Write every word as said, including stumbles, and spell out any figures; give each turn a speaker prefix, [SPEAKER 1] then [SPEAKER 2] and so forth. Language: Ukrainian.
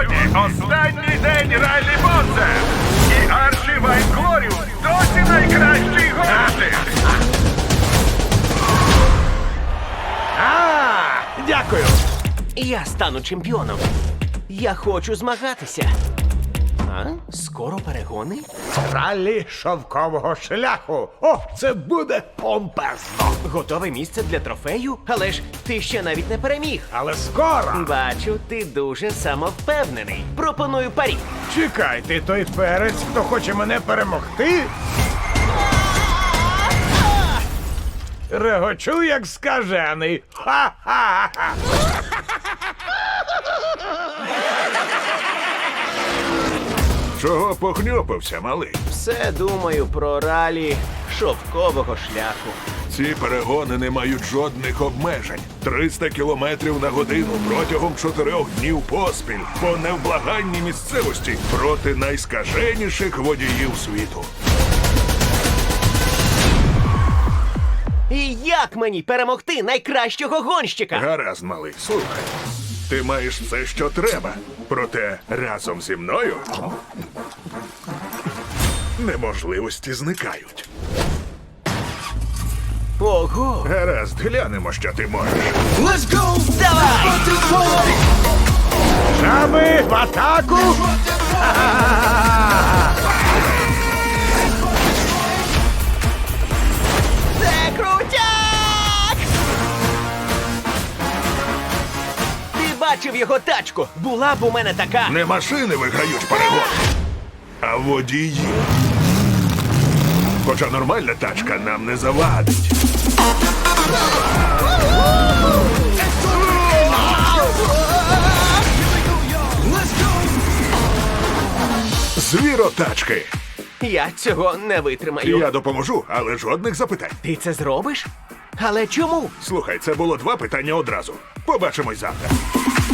[SPEAKER 1] Сьогодні останній день Ралі Бонза. І Арчі Вайнклоріус досі найкращий гонщик.
[SPEAKER 2] А, дякую.
[SPEAKER 3] Я стану чемпіоном. Я хочу змагатися. А? Скоро перегони?
[SPEAKER 2] Раллі шовкового шляху. О, це буде помпезно.
[SPEAKER 3] Готове місце для трофею? Але ж ти ще навіть не переміг.
[SPEAKER 2] Але скоро.
[SPEAKER 3] Бачу, ти дуже самовпевнений. Пропоную парі.
[SPEAKER 2] Чекай, ти той перець, хто хоче мене перемогти? Регочу, як скажений. Ха-ха-ха!
[SPEAKER 1] Чого похньопився, малий?
[SPEAKER 3] Все думаю про ралі шовкового шляху.
[SPEAKER 1] Ці перегони не мають жодних обмежень. триста кілометрів на годину протягом чотирьох днів поспіль по невблаганній місцевості проти найскаженіших водіїв світу.
[SPEAKER 3] І як мені перемогти найкращого гонщика?
[SPEAKER 1] Гаразд, малий, слухай. Ти маєш все, що треба. Проте разом зі мною неможливості зникають.
[SPEAKER 3] Ого!
[SPEAKER 1] Гаразд, глянемо, що ти можеш.
[SPEAKER 3] Давай!
[SPEAKER 2] Жаби в атаку!
[SPEAKER 3] Це крутяк! Ти бачив його тачку? Була б у мене така.
[SPEAKER 1] Не машини виграють перегони, а водії. Хоча нормальна тачка нам не завадить. Звіротачки.
[SPEAKER 3] Я цього не витримаю.
[SPEAKER 1] Я допоможу, але жодних запитань.
[SPEAKER 3] Ти це зробиш? Але чому?
[SPEAKER 1] Слухай, це було два питання одразу. Побачимось завтра.